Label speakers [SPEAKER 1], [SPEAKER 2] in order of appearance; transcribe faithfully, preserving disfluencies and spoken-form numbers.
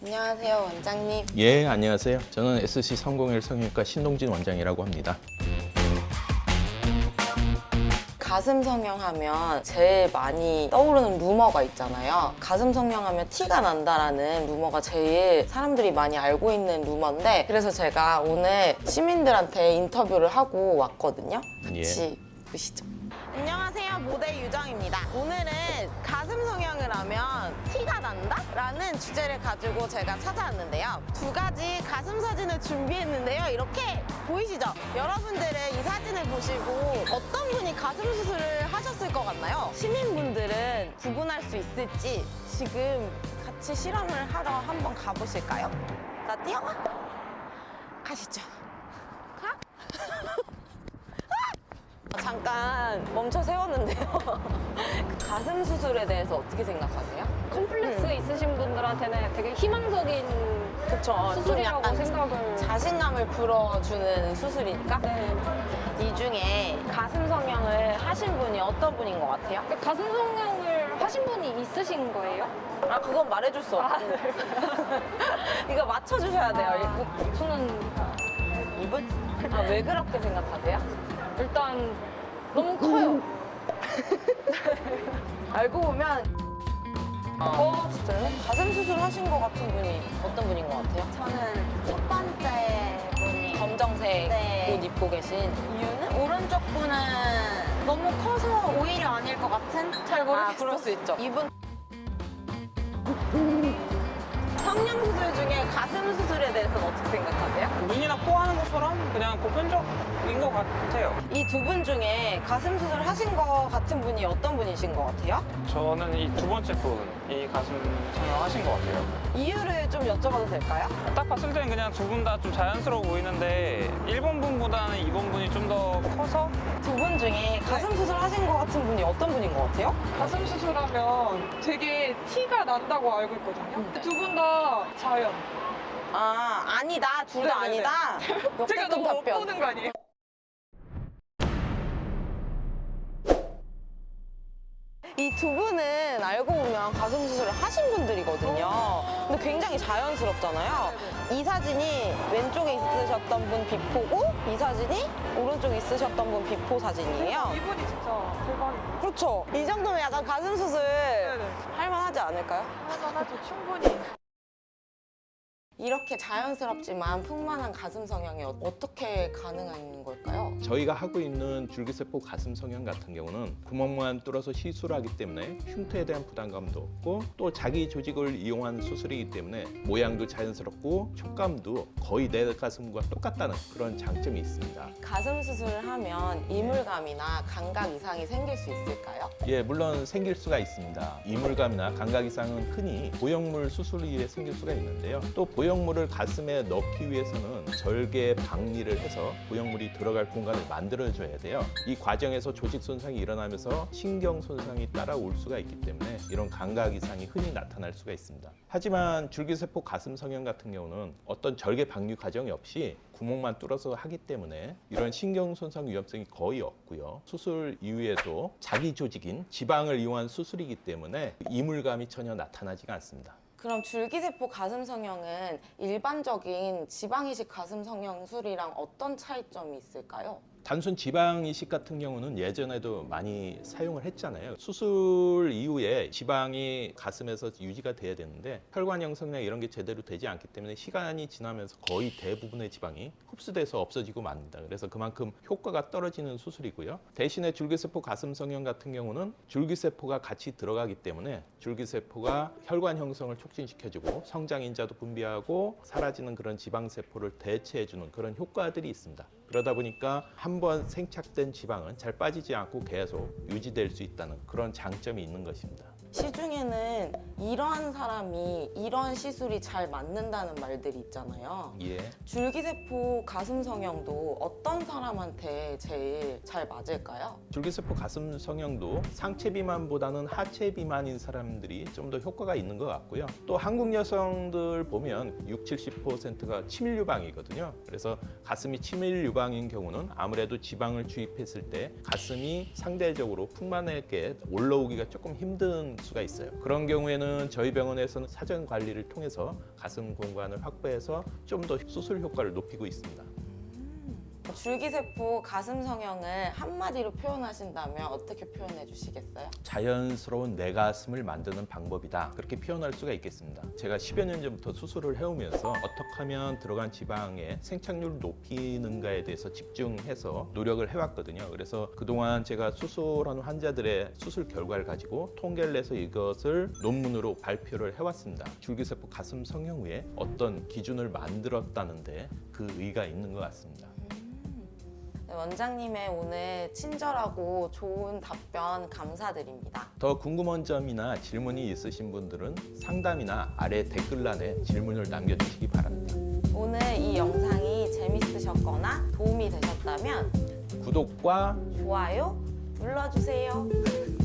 [SPEAKER 1] 안녕하세요, 원장님.
[SPEAKER 2] 예, 안녕하세요. 저는 에스씨 삼공일 성형외과 신동진 원장이라고 합니다.
[SPEAKER 1] 가슴 성형하면 제일 많이 떠오르는 루머가 있잖아요. 가슴 성형하면 티가 난다라는 루머가 제일 사람들이 많이 알고 있는 루머인데, 그래서 제가 오늘 시민들한테 인터뷰를 하고 왔거든요. 같이 보시죠. 안녕하세요, 모델 유정입니다. 오늘은 가슴 성형을 하면 티가 난다? 라는 주제를 가지고 제가 찾아왔는데요. 두 가지 가슴 사진을 준비했는데요. 이렇게 보이시죠? 여러분들은 이 사진을 보시고 어떤 분이 가슴 수술을 하셨을 것 같나요? 시민분들은 구분할 수 있을지 지금 같이 실험을 하러 한번 가보실까요? 자, 뛰어가! 가시죠. 가? 잠깐 멈춰 세웠는데요. 가슴 수술에 대해서 어떻게 생각하세요?
[SPEAKER 3] 컴플렉스 있으신 분들한테는 되게 희망적인
[SPEAKER 1] 그쵸. 좀
[SPEAKER 3] 수술이라고
[SPEAKER 1] 약간
[SPEAKER 3] 생각을.
[SPEAKER 1] 자신감을 불어주는 수술이니까.
[SPEAKER 3] 네.
[SPEAKER 1] 이 중에 가슴 성형을 하신 분이 어떤 분인 것 같아요?
[SPEAKER 3] 근데 가슴 성형을 하신 분이 있으신 거예요?
[SPEAKER 1] 아, 그건 말해줄 수 없고. 이거 맞춰주셔야 돼요.
[SPEAKER 3] 아, 저는
[SPEAKER 1] 이분? 아, 왜 그렇게 생각하세요?
[SPEAKER 3] 일단 너무 커요.
[SPEAKER 1] 알고 보면
[SPEAKER 3] 어, 진짜요?
[SPEAKER 1] 가슴 수술 하신 것 같은 분이 어떤 분인 것 같아요?
[SPEAKER 4] 저는 첫 번째 분이
[SPEAKER 1] 검정색
[SPEAKER 4] 네.
[SPEAKER 1] 옷 입고 계신 이유는?
[SPEAKER 4] 오른쪽 분은 너무 커서 오히려 아닐 것 같은? 잘 모르겠어.
[SPEAKER 1] 아, 그럴 수 있죠. 이분 성형 수술 중에 가슴 수술에 대해서는 어떻게 생각하세요?
[SPEAKER 5] 눈이나 코 하는 것처럼 그냥 보편적인 것 같아요.
[SPEAKER 1] 이 두 분 중에 가슴 수술 하신 것 같은 분이 어떤 분이신 것 같아요?
[SPEAKER 5] 저는 이 두 번째 분이 가슴 성형하신 것 같아요.
[SPEAKER 1] 이유를 좀 여쭤봐도 될까요?
[SPEAKER 5] 딱 봤을 때는 그냥 두 분 다 좀 자연스러워 보이는데 일 번 분보다는 이 번 분이 좀 더 커서
[SPEAKER 1] 두 분 중에 가슴 수술 하신 것 같은 분이 어떤 분인 것 같아요?
[SPEAKER 6] 가슴 수술하면 되게 티가 난다고 알고 있거든요.
[SPEAKER 1] 음.
[SPEAKER 6] 두 분 다 자연.
[SPEAKER 1] 아, 아니다. 둘 다
[SPEAKER 6] 네네네.
[SPEAKER 1] 아니다.
[SPEAKER 6] 제가
[SPEAKER 1] 역대급
[SPEAKER 6] 너무
[SPEAKER 1] 답변.
[SPEAKER 6] 엇보는 거 아니에요?
[SPEAKER 1] 이 두 분은 알고 보면 가슴 수술을 하신 분들이거든요. 근데 굉장히 자연스럽잖아요. 이 사진이 왼쪽에 있으셨던 분 비포고, 이 사진이 오른쪽에 있으셨던 분 비포 사진이에요.
[SPEAKER 6] 이분이 진짜 대박이에요.
[SPEAKER 1] 그렇죠. 이 정도면 약간 가슴 수술
[SPEAKER 6] 네네.
[SPEAKER 1] 할만하지 않을까요?
[SPEAKER 6] 하나하나도 충분히.
[SPEAKER 1] 이렇게 자연스럽지만 풍만한 가슴 성형이 어- 어떻게 가능한 걸까요?
[SPEAKER 2] 저희가 하고 있는 줄기세포 가슴 성형 같은 경우는 구멍만 뚫어서 시술하기 때문에 흉터에 대한 부담감도 없고 또 자기 조직을 이용한 수술이기 때문에 모양도 자연스럽고 촉감도 거의 내 가슴과 똑같다는 그런 장점이 있습니다.
[SPEAKER 1] 가슴 수술을 하면 이물감이나 감각 이상이 생길 수 있을까요?
[SPEAKER 2] 예, 물론 생길 수가 있습니다. 이물감이나 감각 이상은 흔히 보형물 수술 이후에 생길 수가 있는데요. 또 보형물을 가슴에 넣기 위해서는 절개 박리를 해서 보형물이 들어갈 공간을 만들어줘야 돼요. 이 과정에서 조직 손상이 일어나면서 신경 손상이 따라올 수가 있기 때문에 이런 감각 이상이 흔히 나타날 수가 있습니다. 하지만 줄기세포 가슴 성형 같은 경우는 어떤 절개 박리 과정이 없이 구멍만 뚫어서 하기 때문에 이런 신경 손상 위험성이 거의 없고요. 수술 이후에도 자기 조직인 지방을 이용한 수술이기 때문에 이물감이 전혀 나타나지가 않습니다.
[SPEAKER 1] 그럼 줄기세포 가슴 성형은 일반적인 지방이식 가슴 성형술이랑 어떤 차이점이 있을까요?
[SPEAKER 2] 단순 지방 이식 같은 경우는 예전에도 많이 사용을 했잖아요. 수술 이후에 지방이 가슴에서 유지가 돼야 되는데 혈관 형성이나 이런 게 제대로 되지 않기 때문에 시간이 지나면서 거의 대부분의 지방이 흡수돼서 없어지고 맙니다. 그래서 그만큼 효과가 떨어지는 수술이고요. 대신에 줄기세포 가슴 성형 같은 경우는 줄기세포가 같이 들어가기 때문에 줄기세포가 혈관 형성을 촉진시켜주고 성장인자도 분비하고 사라지는 그런 지방세포를 대체해주는 그런 효과들이 있습니다. 그러다 보니까 한 번 생착된 지방은 잘 빠지지 않고 계속 유지될 수 있다는 그런 장점이 있는 것입니다.
[SPEAKER 1] 시중에는 이러한 사람이 이런 시술이 잘 맞는다는 말들이 있잖아요.
[SPEAKER 2] 예.
[SPEAKER 1] 줄기세포 가슴 성형도 어떤 사람한테 제일 잘 맞을까요?
[SPEAKER 2] 줄기세포 가슴 성형도 상체 비만보다는 하체 비만인 사람들이 좀 더 효과가 있는 것 같고요. 또 한국 여성들 보면 육십, 칠십 퍼센트가 치밀 유방이거든요. 그래서 가슴이 치밀 유방인 경우는 아무래도 지방을 주입했을 때 가슴이 상대적으로 풍만하게 올라오기가 조금 힘든 수가 있어요. 그런 경우에는 저희 병원에서는 사전 관리를 통해서 가슴 공간을 확보해서 좀 더 수술 효과를 높이고 있습니다.
[SPEAKER 1] 줄기세포 가슴 성형을 한마디로 표현하신다면 어떻게 표현해 주시겠어요?
[SPEAKER 2] 자연스러운 내 가슴을 만드는 방법이다. 그렇게 표현할 수가 있겠습니다. 제가 십여 년 전부터 수술을 해오면서 어떻게 하면 들어간 지방의 생착률을 높이는가에 대해서 집중해서 노력을 해왔거든요. 그래서 그동안 제가 수술하는 환자들의 수술 결과를 가지고 통계를 내서 이것을 논문으로 발표를 해왔습니다. 줄기세포 가슴 성형 후에 어떤 기준을 만들었다는데 그 의의가 있는 것 같습니다.
[SPEAKER 1] 네, 원장님의 오늘 친절하고 좋은 답변 감사드립니다.
[SPEAKER 2] 더 궁금한 점이나 질문이 있으신 분들은 상담이나 아래 댓글란에 질문을 남겨주시기 바랍니다.
[SPEAKER 1] 오늘 이 영상이 재밌으셨거나 도움이 되셨다면
[SPEAKER 2] 구독과
[SPEAKER 1] 좋아요 눌러주세요.